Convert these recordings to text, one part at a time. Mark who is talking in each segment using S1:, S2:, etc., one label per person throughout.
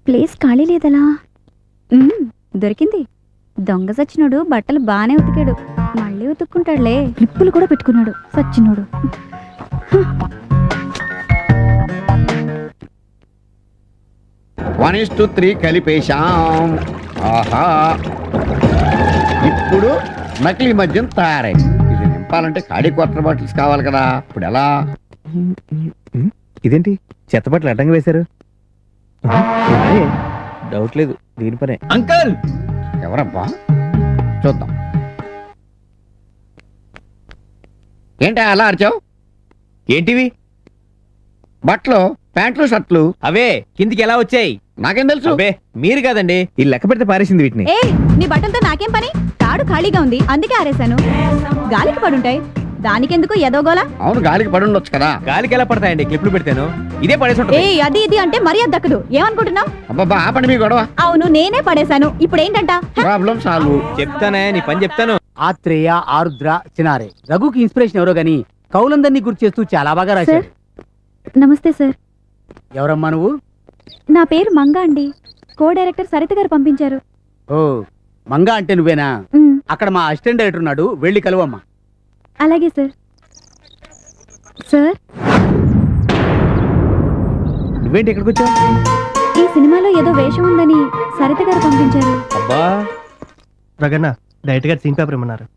S1: Place ఖాళీ లేదలా. దొరికింది. దొంగ సచ్చినోడు బట్టలు బానే ఉతికాడు, మళ్ళీ ఉతుక్కుంటాడులే. క్లిప్పులు కూడా పెట్టుకున్నాడు సచ్చినోడు.
S2: 1:3 కలిపేశాం. ఆహా, ఇప్పుడు నకిలీ మద్యం తయారైంది. ఇది నింపాలంటే ఖాళీ క్వార్టర్ బాటిల్స్ కావాలి కదా. ఇప్పుడు ఎలా?
S3: ఇదేంటి చెత్త బట్టలు అడ్డంగా వేశారు? డౌట్ లేదు, దీని పనే.
S4: అంకల్,
S2: ఎవరబ్బా? చూద్దాం. ఏంటి అలా అరిచావు?
S3: ఏంటివి?
S2: బట్టలు, ప్యాంట్లు, షర్ట్లు.
S3: అవే కిందికి ఎలా వచ్చాయి?
S2: నాకేం తెలుసు?
S3: అవే మీరు కాదండి, ఈ లెక్క పెడితే పారేసింది వీటిని.
S1: ఏ, నీ బట్టలతో నాకేం పని? తాడు ఖాళీగా ఉంది అందుకే ఆరేశాను. గాలికి పడుంటాయి, దానికెందుకు ఎదోగోలా?
S2: అవును, గాలికి పడి ఉండొచ్చు కదా.
S3: గాలికి ఎలా పడతాయండి? క్లిప్లు పెడతాను, ఇదే పడేసి ఉంటుంది.
S1: ఏ అది ఇది అంటే మర్యాద దక్కదు. ఏమనుకుంటున్నావు?
S2: అబ్బబ్బా, ఆపండి మీ గొడవ.
S1: అవును, నేనే పడేశాను. ఇప్పుడు ఏంటంట?
S2: Problem solve.
S3: చెప్తానే, నీ పని చెప్తాను.
S4: ఆత్రేయ, ఆరుద్ర, చినారే. రఘుకి ఇన్స్పిరేషన్ ఎవరో గాని కౌలందరినీ గుర్తు చేస్తూ చాలా బాగా రాశాడు.
S1: నమస్తే సార్.
S4: ఎవరమ్మా నువ్వు?
S1: నా పేరు మంగా అండి. కో డైరెక్టర్ సరిత గారు పంపించారు.
S4: ఓ, మంగా అంటే నువ్వేనా?
S1: మ్,
S4: అక్కడ మా అసిస్టెంట్ డైరెక్టర్ ఉన్నాడు, వెళ్ళి కలువమ్మా.
S1: అలాగే సార్. సార్,
S3: నువ్వేంటి ఇక్కడికి వచ్చావు?
S1: ఈ సినిమాలో ఏదో వేషం ఉందని సరిత గారు పంపించారు.
S3: అబ్బా,
S5: రగన్న డైరెక్ట్ గా సీన్ పేపర్ ఇమ్మన్నారు.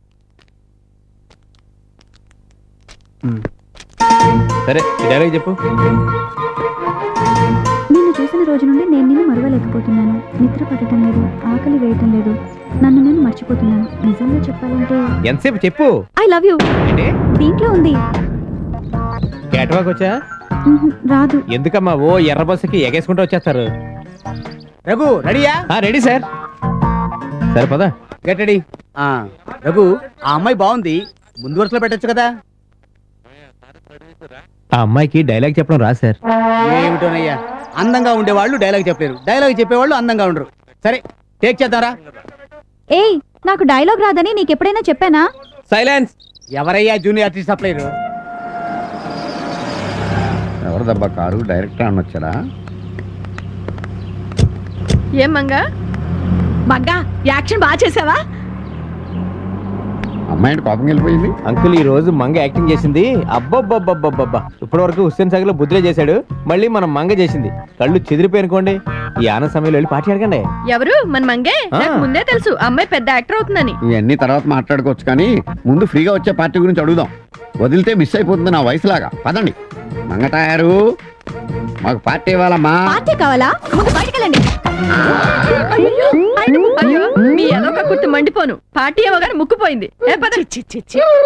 S3: సరే ఈ డైలాగ్ చెప్పు.
S1: నిన్ను చూసిన రోజు నుండి నేను నిన్ను మరవలేకపోతున్నాను. నిద్ర పడటం లేదు, ఆకలి వేయటం లేదు, నన్ను నేను మర్చిపోతున్నాను. నిజంగా చెప్పాలంటే
S3: ఎంతసేపు చెప్పు.
S1: I love you.
S3: ఏంటి
S1: దీంట్లో ఉంది.
S3: క్యాటవాక్ వచ్చా?
S1: రాదు.
S3: ఎందుకమ్మా ఓ ఎర్ర బస్సుకి ఎగేసుకుంటూ వచ్చేస్తారు.
S4: రఘు రెడీయా?
S3: Ready sir. సరే పద.
S4: Get ready. రఘు, ఆ అమ్మాయి బాగుంది, ముందు వరుసలో పెట్టచ్చు కదా.
S3: ఆ అమ్మాయికి డైలాగ్ చెప్పడం రా సార్.
S4: ఏమిటోనయ్యా, అందంగా ఉండేవాళ్ళు డైలాగ్ చెప్పలేరు, డైలాగ్ చెప్పేవాళ్ళు అందంగా ఉండరు. సరే టేక్ చేద్దాంరా.
S1: ఏయ్, నాకు డైలాగ్ రాదని నీకెప్పుడైనా చెప్పానా?
S3: సైలెన్స్.
S4: ఎవరయ్యా జూనియర్ ఆర్టిస్ట్ సప్లైరు?
S2: ఎవరు దబ్బా కారు? డైరెక్టర్ అని వచ్చారా?
S6: ఏం మంగా మంగా యాక్షన్ బాగా చేసావా?
S2: అమ్మాయి కోపం వెళ్ళిపోయింది.
S3: అంకుల్ ఈ రోజు మంగ యాక్టింగ్ చేసింది. అబ్బబ్బబ్బబ్బబ్బబ్బా, ఇప్పటి వరకు హుస్సేన్ సాగర్ లో బుద్ధిలో చేశాడు, మళ్ళీ మనం మంగ చేసింది. కళ్ళు చెదిరిపోయినుకోండి. ఈ ఆనంద సమయంలో వెళ్ళి పార్టీ అడగండి.
S6: ఎవరు? మన మంగే. నాకు ముందే తెలుసు అమ్మాయి పెద్ద యాక్టర్ అవుతుందని.
S2: ఇవన్నీ తర్వాత మాట్లాడుకోవచ్చు, కానీ ముందు ఫ్రీగా వచ్చే పార్టీ గురించి అడుగుదాం. వదిలితే మిస్ అయిపోతుంది నా వయసులాగా. పదండి. మంగటాయారు, మాకు పార్టీ ఇవ్వాలమ్మా.
S1: పార్టీ కావాలా? ముందు బయటకెళ్ళండి.
S6: అయ్యో, మీ ఎదొక కుర్తి మండిపోను. పార్టీ ఇవ్వగానే ముక్కుపోయింది. ఏ పద.